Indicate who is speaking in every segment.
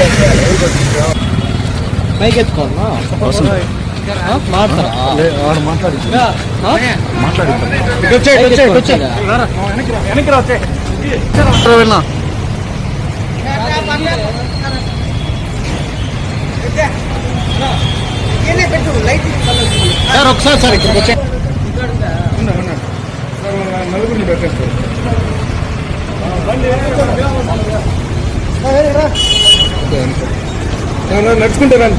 Speaker 1: పైకి ఎత్తుకోవాలా సార్ ఒకసారి సార్ ఇక్కడికి వచ్చే
Speaker 2: నలుగురిని పెట్టేస్తారు నడుచుకుంటే రండి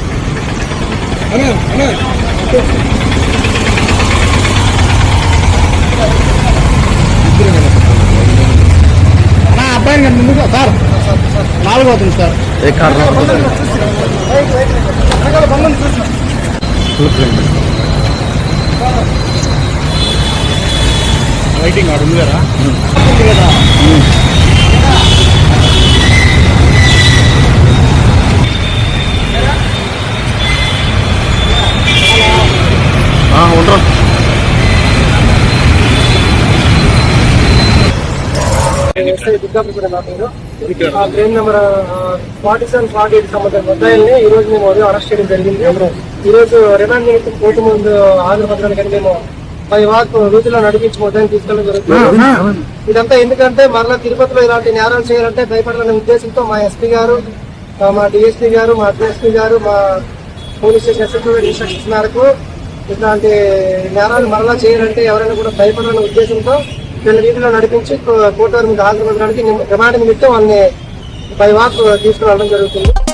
Speaker 1: అబ్బాయిని కానీ ముందుగా సార్ 4 అవుతుంది సార్ ఏ కారణం
Speaker 2: లైటింగ్ ఆడు ఉంది కదా
Speaker 1: ఉండరు
Speaker 3: క్రైమ్ నెంబర్ 47-48 సంబంధించిన ముద్దాయిల్ని ఈ రోజు మేము అరెస్ట్ చేయడం జరిగింది. ఈ రోజు రిమాండ్ నిమిత్తం కోర్టు ముందు హాజరుపరచడానికి మేము 5 వాక్ వీధిలో నడిపించి ముద్దాయిని తీసుకెళ్ళడం జరుగుతుంది. ఇదంతా ఎందుకంటే మరలా తిరుపతిలో ఇలాంటి నేరాలు చేయాలంటే భయపడాలనే ఉద్దేశంతో మా ఎస్పీ గారు, మా డిఎస్పీ గారు, మా డిఎస్పీ గారు, మా పోలీస్ స్టేషన్ ఎస్ఎస్పీ ఇన్స్ట్రక్షన్స్ మేరకు ఇట్లాంటి నేరాలు మరలా చేయాలంటే ఎవరైనా కూడా భయపడాలనే ఉద్దేశంతో వీళ్ళ వీధిలో నడిపించి కోర్టు వారి మీద హాజరుపరచడానికి రిమాండ్ నిమిత్తం వాళ్ళని 5 వాక్ తీసుకురావడం జరుగుతుంది.